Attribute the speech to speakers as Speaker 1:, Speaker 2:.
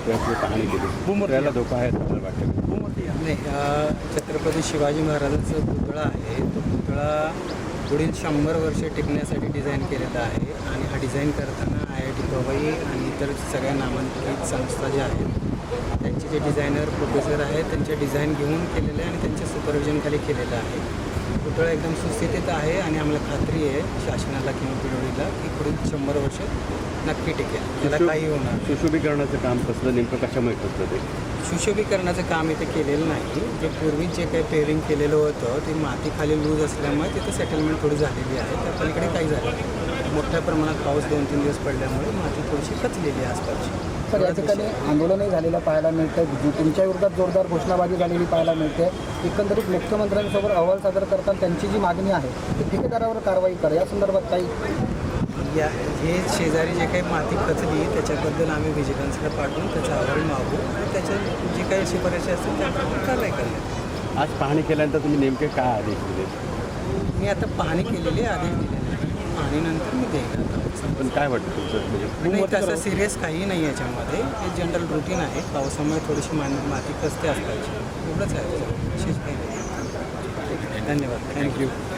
Speaker 1: पुतळ्याची पाहणी केली. पुतळ्याला धोका आहे असं वाटतं?
Speaker 2: नाही, छत्रपती शिवाजी महाराजांचा पुतळा आहे. तो पुतळा पुढील 100 वर्षे टिकण्यासाठी डिझाईन केलेला आहे आणि हा डिझाईन करताना IIT पवई आणि इतर सगळ्या नामांकित संस्था ज्या आहेत त्यांचे जे डिझायनर प्रोफेसर आहेत त्यांचे डिझाईन घेऊन केलेलं आहे आणि त्यांच्या सुपरविजनखाली केलेलं आहे. पुतळा एकदम सुस्थितीत आहे आणि आम्हाला खात्री आहे शासनाला किंवा पिढीला की पुढील 100 वर्ष नक्की टिकेल, त्याला काही होणार.
Speaker 1: सुशोभीकरणाचं काम कसलं, नेमकं कशामुळे कसलं ते?
Speaker 2: सुशोभीकरणाचं काम इथे केलेलं नाही. जे पूर्वी जे काही पेरिंग केलेलं होतं ते माती खाली लूज असल्यामुळे तिथे सेटलमेंट थोडी झालेली आहे. त्या पलीकडे काही झालं नाही. मोठ्या प्रमाणात पाऊस 2-3 दिवस पडल्यामुळे माती थोडीशी खचलेली आहे आसपासची.
Speaker 3: तर या ठिकाणी आंदोलनही झालेलं पाहायला मिळतं. तुमच्या विरोधात जोरदार घोषणाबाजी झालेली पाहायला मिळते. एकंदरीत मुख्यमंत्र्यांसमोर अहवाल सादर करताना त्यांची जी मागणी आहे ती ठेकेदारावर कारवाई करा, या संदर्भात काही
Speaker 2: हे शेजारी जे काही माती खचली त्याच्याबद्दल आम्ही व्हिजिलन्सला पाठवून त्याचा अहवाल मागू आणि त्याच्या जे काही शिफारशी असतील त्याप्रमाणे कारवाई करण्यात.
Speaker 1: आज पाहणी केल्यानंतर तुम्ही नेमके काय आदेश दिले?
Speaker 2: मी आता पाहणी केलेली आहे, आदेश दिलेले आहे. पाहणीनंतर मी देईन आता.
Speaker 1: पण काय वाटतं तुमचं
Speaker 2: नाही,
Speaker 1: म्हणजे
Speaker 2: तसं सिरियस काही नाही याच्यामध्ये. हे जनरल रुटीन आहे. पावसामुळे थोडीशी माती खचते असल्याची एवढंच आहे, विशेष काही नाही. धन्यवाद. थँक्यू.